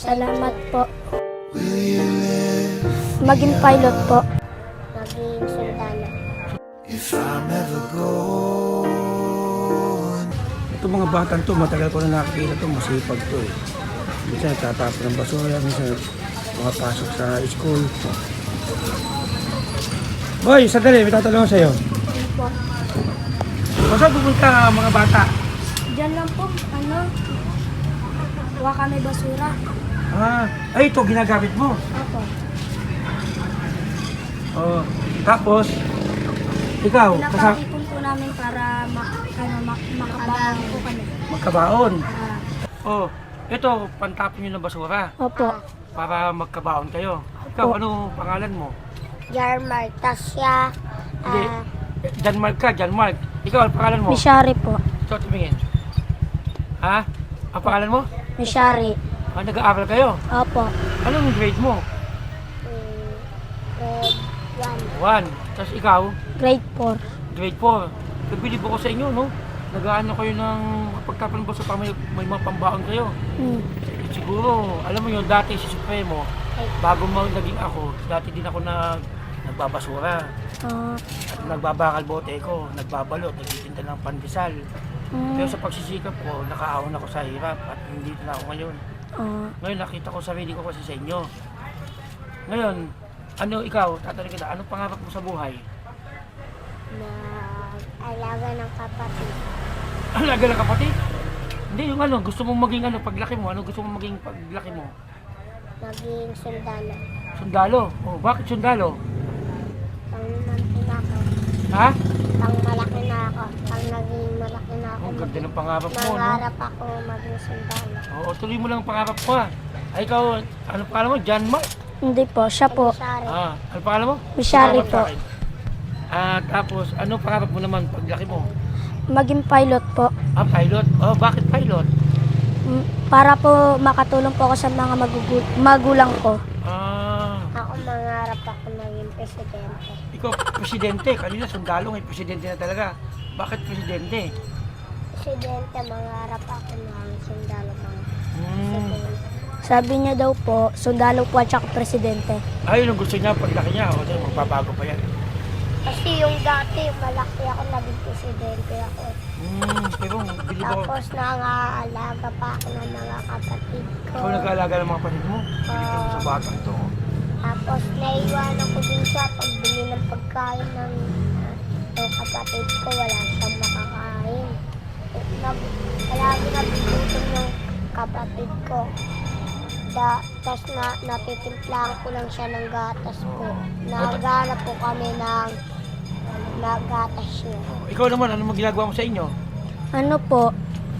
Salamat po. Maging pilot po. Maging sundalo. Ito mga batang to, matagal ko na nakikita to, masipag to eh. Minsan tatapon ng basura, minsan mga pasok sa school. Boy, sandali, may tatanong ako sa'yo. Po. Saan pupunta mga bata? Diyan lang po, kuha kami basura. Ay ito, ginagamit mo. Opo. Oh, tapos, ikaw, Pinapakipon po namin para makabahan po kami. magkabaon. Ah, Oh, ito, pantapon nyo ng basura Opo. para magkabaon kayo. Ikaw, Opo. ano pangalan mo? Yarmar. Tas siya, Hindi, Janmark ka, Janmark. Ikaw, ang pangalan mo? Mishari po. Ito, tumingin. Ha? Ang pangalan mo? Mishari. Nag-aaral kayo? Opo. Anong grade mo? grade 1. 1. Tapos ikaw, Grade 4. grade 4. Nagbilib ako sa inyo, no? Nag-aano kayo ng pagtapon ba sa may mga pambaon kayo. Siguro, alam mo yun, dati si Supremo, bago naging ako, dati din ako nagbabasura. At nagbabakal bote ko, nagbabalot, nagtitinda ng pandesal. Pero sa pagsisikap ko, nakaahon ako sa hirap at hindi na ako ngayon. Ngayon nakita ko sarili ko kasi sa inyo. Ngayon, ano ikaw, tatanungin kita, anong pangarap mo sa buhay? Alaga ng kapatid. Alaga ng kapatid? Hindi, yung ano, gusto mong maging ano, paglaki mo, ano gusto mong maging paglaki mo? Maging sundalo. Sundalo? Oh, bakit sundalo? Pang malaki na ako. Ha? Pang malaki na ako. Pang naging malaki na ako. Ang ganda ng pangarap mo, no? Mangarap ako maging sundalo. Oo, tuloy mo lang ang pangarap ko, ha? Ay, ikaw, ano pangalan mo? John Mark? Hindi po, siya po. Sorry. Ano pangalan mo? Mishari Pangarap sa po. akin. Tapos, ano pangarap mo naman paglaki mo? Maging pilot po. Pilot? Oh, bakit pilot? Para po makatulong po ako sa mga magulang ko. Ako mangarap ako maging presidente. Ikaw, presidente. Kanina, sundalo ngayon, presidente na talaga. Bakit presidente? Presidente, mangarap ako maging sundalo mga presidente. Sabi niya daw po, sundalo po at saka presidente. Ay, yung gusto niya, paglaki niya, o magbabago pa yan. Kasi yung dati, malaki ako, naging presidente ako. Pero, bilib ako. Tapos nangaalaga pa ako ng mga kapatid ko. Ikaw nag-aalaga ng mga kapatid mo? Bilib ako sa batang to. Tapos naiwanan ko din siya pagbili ng pagkain ng kapatid ko. Wala siyang makakain. Palagi nagugutom ng kapatid ko. Tapos natitimplahan ko lang siya ng gatas po. Naghanap po kami ng gatas niya. Ikaw naman, ano mo ginagawa mo sa inyo? Ano po,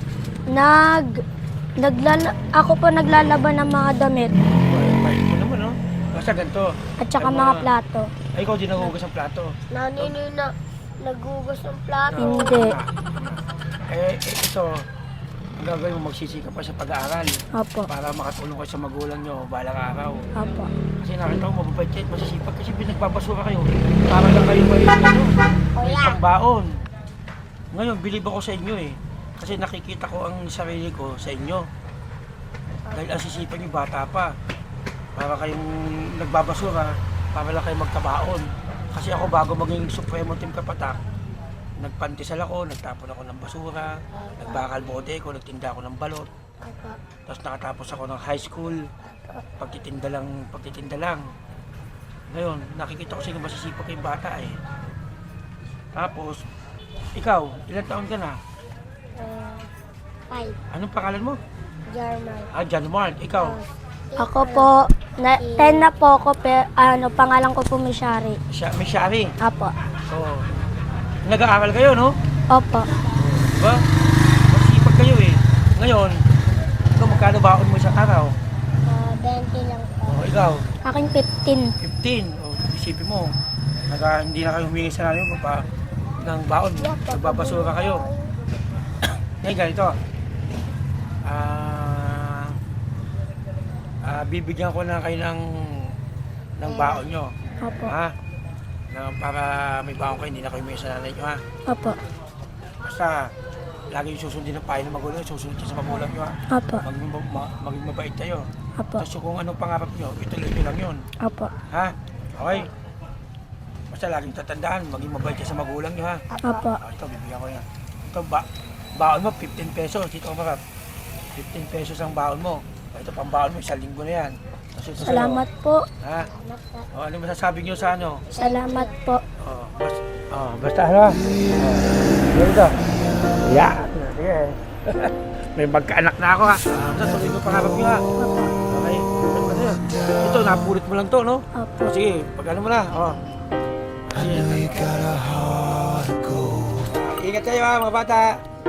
ako po naglalaban ng mga damit Bait mo naman, no? Basta ganito. at saka Ay, mga plato. Ay, ikaw din nagugas ang plato. Nanini na nagugas ng plato. Hindi. Ito, ang gagawin mo, magsisikap pa sa pag-aaral Opo. para makatulong kayo sa magulang nyo balang araw. Opo. Kasi nakita ko, mababait kayo, masisipag kasi pinagbabasura kayo. Para lang kayo may pangbaon. Ngayon, bilib ako sa inyo eh. Kasi nakikita ko ang sarili ko sa inyo. Dahil ang sisipan nyo, bata pa. Para kayong nagbabasura, para lang kayo magkabaon. Kasi ako bago maging Supremo Team Kapatak, nagpantisal ako, nagtapon ako ng basura, nagbakal bote ko, nagtinda ako ng balot. Tapos nakatapos ako ng high school, pagtitinda lang. Ngayon, nakikita ko sa inyo masisipag kayong bata eh. Tapos, ikaw, ilang taon ka na? 5. Anong pangalan mo? German. John Mark. Ikaw? Ako po, 10 na po ako, pero pangalan ko po Mishari. May Shari. Apo. Oo. Nag-aaral kayo, no? Opo. Diba? Masipag kayo eh. Ngayon, ikaw magkano baon mo isang araw? 20 lang po. Ikaw? Aking 15. 15. Isipin mo, hindi na kayo humingi sa namin ng baon. Nagbabasura kayo. Ngayon ganito. Bibigyan ko na kayo ng baon nyo. Opo. Ha? Para may baon kayo, hindi na kayo humingi sa nanay nyo, ha? Opo. Basta, lagi yung susundin ng payo ng magulang, susunod kayo sa magulang nyo, ha? Opo. Maging mabait kayo. Apo. Tapos kung anong pangarap nyo, ituloy nyo lang yun. Apo. Ha? Okay? Basta laging tatandaan, maging mabait ka sa magulang nyo ha. Apo. Ito, bibigyan ko yan. Ito, baon mo, 15 pesos. Dito ka marap. 15 pesos ang baon mo. Ito, pang baon mo, 1 linggo na yan. Tapos ito sa'yo. Salamat po. Ha? O, ano masasabi nyo sa ano? Salamat po. Basta ano? Ganito. Yeah. Sige. May magkaanak na ako ha. Basta tuloy ko pangarap nyo ha. Okay. Ito, napulit mo lang to, no? Opo. O, sige, pag ano mo na. O. Sige. Ingat kayo ha, mga bata.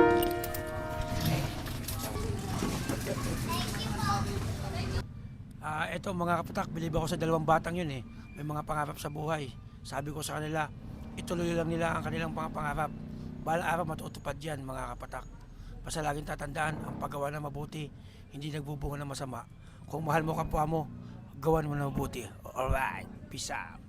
Ito mga kapatak, bilib ako sa 2 batang yun eh. May mga pangarap sa buhay. Sabi ko sa kanila, ituloy lang nila ang kanilang mga pangarap. Balang araw matutupad yan mga kapatak. Basta laging tatandaan, ang paggawa ng mabuti, hindi nagbubunga ng masama. Kung mahal mo kapwa mo, gawan mo ng mabuti. Alright, peace out.